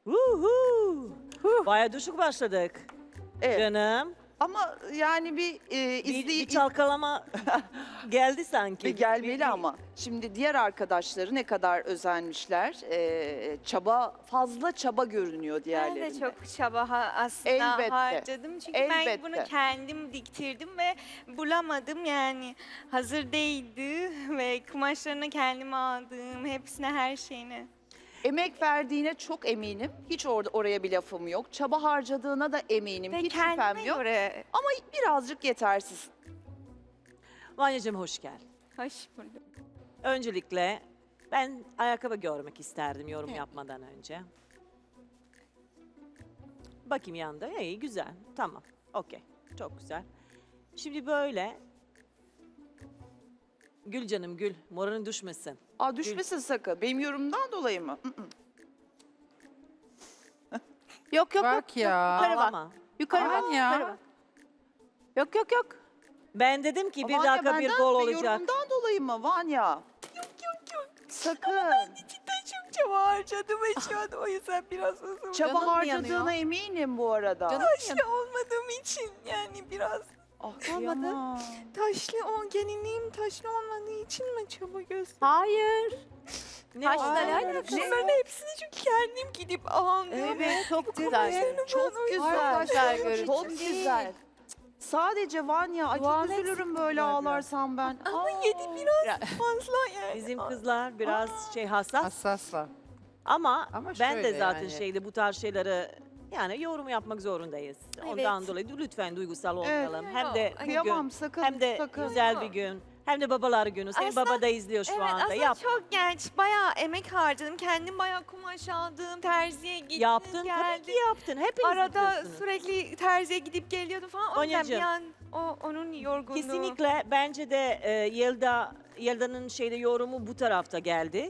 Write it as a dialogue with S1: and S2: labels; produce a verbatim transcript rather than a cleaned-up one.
S1: Uhu. Baya düşük başladık.
S2: Evet.
S1: Canım.
S2: Ama yani bir e,
S1: Bir,
S2: izley
S1: bir çalkalama geldi sanki.
S2: bir gelmeli
S1: Bir- bir-
S2: ama. Şimdi diğer arkadaşları ne kadar özenmişler. E, çaba fazla çaba görünüyor
S3: Ben
S2: diğerlerinde.
S3: de çok çaba ha- aslında
S2: Elbette.
S3: harcadım. Çünkü ben
S2: Elbette.
S3: bunu kendim diktirdim ve bulamadım yani. Hazır değildi ve kumaşlarını kendim aldım. Hepsine, her şeyine.
S2: Emek verdiğine çok eminim. Hiç orada oraya bir lafım yok. Çaba harcadığına da eminim.
S3: Ve
S2: Hiç şüphem
S3: kendime
S2: yok.
S3: göre
S2: Ama birazcık yetersiz.
S1: Vanyacığım hoş gel.
S3: hoş buldum.
S1: Öncelikle ben ayakkabı görmek isterdim yorum yapmadan önce. Bakayım yanında. İyi güzel. Tamam. Okey. Çok güzel. Şimdi böyle. Gül canım gül. Moralin düşmesin.
S2: Aa düşmesin sakın. Benim yorumumdan dolayı mı? Mm, mm.
S4: Yok yok
S5: Bak
S4: yok.
S5: ya.
S4: Yukarı bak.
S1: Ağlama.
S4: Yukarı
S5: Aman
S4: bak.
S5: ya.
S4: Yukarı bak. Yok yok yok.
S1: Ben dedim ki bir
S2: Vanya,
S1: dakika bir
S2: benden
S1: gol
S2: ve
S1: olacak.
S2: Yorumumdan dolayı mı Vanya? Yok yok yok. Sakın.
S3: Cidden çok çaba harcadım ve şu an o yüzden biraz uzun.
S2: Çaba
S4: Canın mı
S2: harcadığına
S4: yanıyor?
S2: eminim bu arada.
S4: Canım
S3: Taşlı olmadığım için yani biraz
S2: Ah,
S4: Olmadı.
S2: kıyamam.
S3: taşlı o gelinliğim taşlı olmadığı için mi çaba gösterdim?
S4: Hayır.
S1: Ne
S4: Taşla
S1: oldu?
S4: ne alakası var?
S3: Bunların hepsini çünkü kendim gidip aldım.
S2: Evet,
S4: Çok güzel.
S2: Çok güzel.
S4: Arkadaşlar görün.
S2: Çok güzel. Sadece Vanya, ay çok
S4: Duanı
S2: üzülürüm böyle
S4: eksikler
S2: ağlarsam ben.
S3: Ama
S2: Aa.
S3: yedi biraz fazla yani.
S1: Bizim kızlar biraz şey hassas.
S5: Hassaslar.
S1: Ama,
S5: Ama
S1: ben de
S5: şöyle
S1: zaten
S5: yani.
S1: şeyde bu tarz şeyleri yani yorum yapmak zorundayız. Ondan dolayı lütfen duygusal olmayalım. Hem de
S3: Yok,
S1: bugün,
S2: Kıyamam sakın,
S1: hem de
S2: sakın.
S1: güzel bir gün. Hem de babalar günü. Senin
S3: Aslında-
S1: baba da izliyor şu
S3: Evet
S1: anda.
S3: aslında
S1: Yap.
S3: çok genç. Bayağı emek harcadım. Kendim bayağı kumaş aldım. Terziye gittim
S1: Yaptın tabii
S3: geldim.
S1: ki yaptın. Hepiniz
S3: Arada
S1: yapıyorsunuz.
S3: sürekli terziye gidip geliyordum falan. O yüzden bir
S1: Vanyacığım.
S3: an o, onun yorgunluğu.
S1: Kesinlikle bence de e, Yelda Yelda'nın şeyde yorumu bu tarafta geldi.